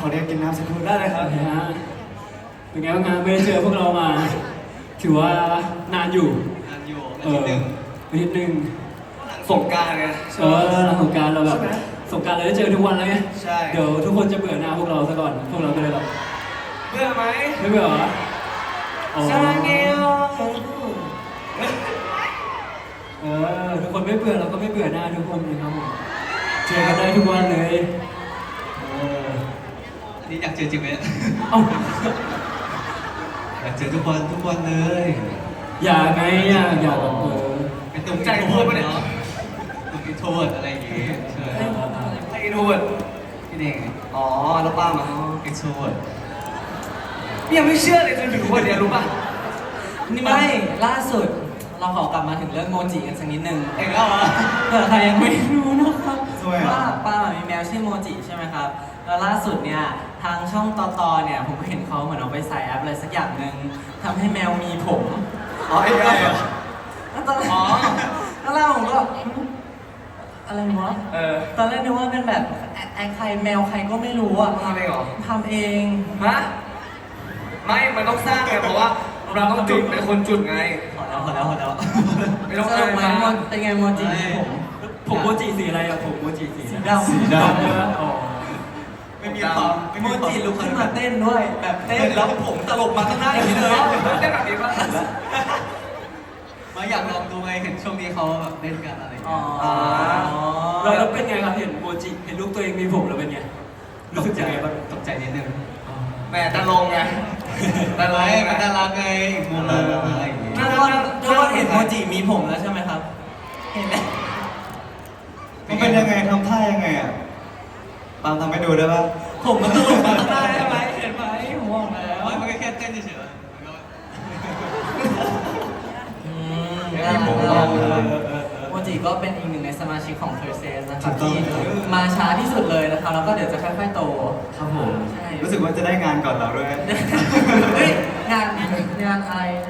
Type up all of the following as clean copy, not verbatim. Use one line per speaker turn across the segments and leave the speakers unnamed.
อเรียกกินน้ำสักครู่
ได้เลยครับเป็นไงบ้างครับไม่ได้เจอพวกเรามาถือว่านานอยู่
อาทิตย์หนึ่ง
อาทิตย์หนึ่ง
สงกรานต์ไง
หลังสงกรานต์เราแบบสงกรานต์เราได้เจอทุกวันแล้วไง
ใช่
เดี๋ยวทุกคนจะเบื่อหน้าพวกเราซะก่อนพวกเราก็เลยแบบ
เบื่อไหม
ไม่เบื่อเหรออ๋อ
ซาเงล
ทุกคนไม่เบื่อเราก็ไม่เบื่อหน้าทุกคนนะครับผมเจอกันได้ทุกวันเลย
อันนี้อยากเจอจริงไหม
เอ้า
อยากเจอทุกวันเลย
อยากไงอยาก
เป็นตุ้มใจพูดปะเนี่ยตุ้มอินโทรเวิร์ดอะไรอย่างงี้ใช่ใครอินโทรเวิร์ดพี่เด้งอ๋อแล้วป้ามาอินโทรเวิร์ดยังไม่เชื่อเลยจนถึงวันนี้รู้ป่ะ
นี่ไม่ล่าสุดเราขอกลับมาถึงเรื่องโมจิกันสักนิดนึง
เองแล้วเหรอ
เผื่อใครยังไม่รู้นะครับ
สวยอ่ะ
ว่าป้ามีแมวชื่อโมจิใช่ไหมครับแล้วล่าสุดเนี่ยทางช่องต่อเนี่ยผมก็เห็นเขาเหมือนเอาไปใส่แอปอะไรสักอย่างหนึ่งทำให้แมวมีผม
อ๋อไอ้อะไรอ่ะ
แล้วตอนแรกผมก็อะไรวะตอนแรกนึกว่าเป็นแบบไอ้ใครแมวใครก็ไม่รู้อ่ะ
ทำเองเหรอ
ทำเอง
ฮะไม่มันต้องสร้างไงเพราะว่าเราต้องจุดเป็นคนจุดไง
พอแล้ว
ไม่ต้อง
สรุป
อะไร
ไหม
นะ
เป็นไงโมจิมีผม
ผมโมจิสีอะไรอะผมโมจิสี
สีดำ
สีด
อ๋อ
ไม่มีความ
โมจิลุกขึ้นมาเต้นด้วย แบบเต้นแล้วผมตลบมาข้างหน้าอย่างนี้เลย
ได้แบบนี้ป่ะ
มาอยากลองดูไงเห็นช่วงนี้เขาแบบเล่นกันอะไรอย่าง
อ๋
เงี้
อ
ย
แล้วเป็นไงครับเห็นโมจิเห็นลูกตัวเองมีผมแล้วเป็นไงรู้สึกยังไงบ้าง
ตกใจนิดนึงแม่ตะลงไงตะลงมันน่ารักไงอีกมุมนึงอะไรอย่างงี้
ทุกคนเห็นโมจิมีผมแล้วใช่ไหมครับ เห็นไหม
ำมันเป็นยังไงทำท่ายังไงอ่ะปาล์มทำให้ดูได้ป่ะ
ผมมันตลบมาข้างหน้าใช่ไหมเห็นไหมผมบอกแล้ว
มันก็แค่เต้นเฉยๆ
น่ารักโมจิก็เป็นอีกหนึ่งในสมาชิกของ p e r s e s นะครับที่มาช้าที่สุดเลยนะครับแล้วก็เดี๋ยวจะค่อยๆโต
ครับผม
ใช่
รู้สึกว่าจะได้งานก่อนเราด้วย
เฮ้ยงานอะไรนะ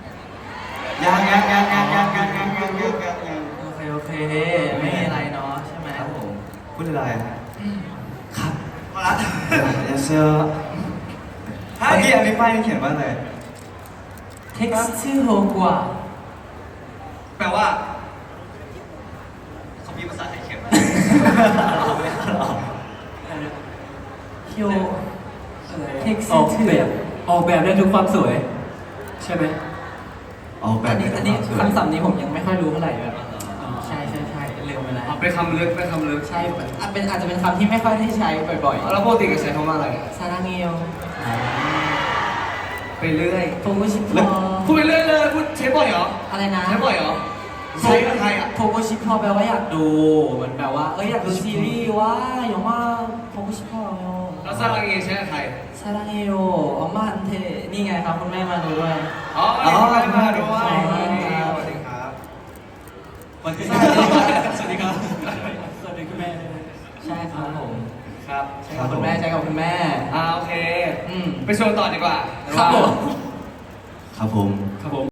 ยัง
โอเคไม่มีอะไรเนาะใช่ไหม
ครับผมพูดอะไรครับมาละเดี๋ยวเชื่อเมื่อกี้อันนี้ป้ายนี่เขียนว่าอะไร
เท็กซ์ชื่อโฮกว่า
แปลว่าเขามีภาษาไทยเขียนมา
คิวเท็กซ์
ออก
ชื่อ
แบบออกแบบได้ทุกความสวย ใช่ไหม
ออกแบบ
อันนี้คำศัพท์นี้ผมยังไม่ค่อยรู้เท่าไหร่แบบใช่เร็วไปแล้ว
เอาไปคำลึกไปคำลึก
ใช่อาจจะเป็นคำที่ไม่ค่อยได้ใช้บ่อย
แล้วปกติก็ใช้คำว่าอะไร
ๆซาราเงล
ไปเรื่อย
โทโกชิพอ
พูดไปเรื่อยเลยพูดใช้บ่อยเหรอ
อะไรนะ
ใช้บ่อยเหรอใช้กับใครอ่ะ
โทโกชิพอแปลว่าอยากดูเหมือนแบบว่าอยากดูซีรีส์ว่าอย่างว่าโทโกชิพอ
แล้วซาลังเอใช้กับใคร
ซาราเงลอ๋อมันเทนี่ไงครับคุณแม่มาดูด้วย
อ๋อมาด้วย
สวัสดีครับ
สวัสดีครับ
สวัสดีครับ
สวัสดีคุณแม่ด้วย
ใช่ครับผม
ครับ
ใช่กับคุณแม่ใช่กับคุณแม่
โอเค
อืม
ไปโชว์ต่อดีกว่า
ครับผม
ครับผม
ครับผม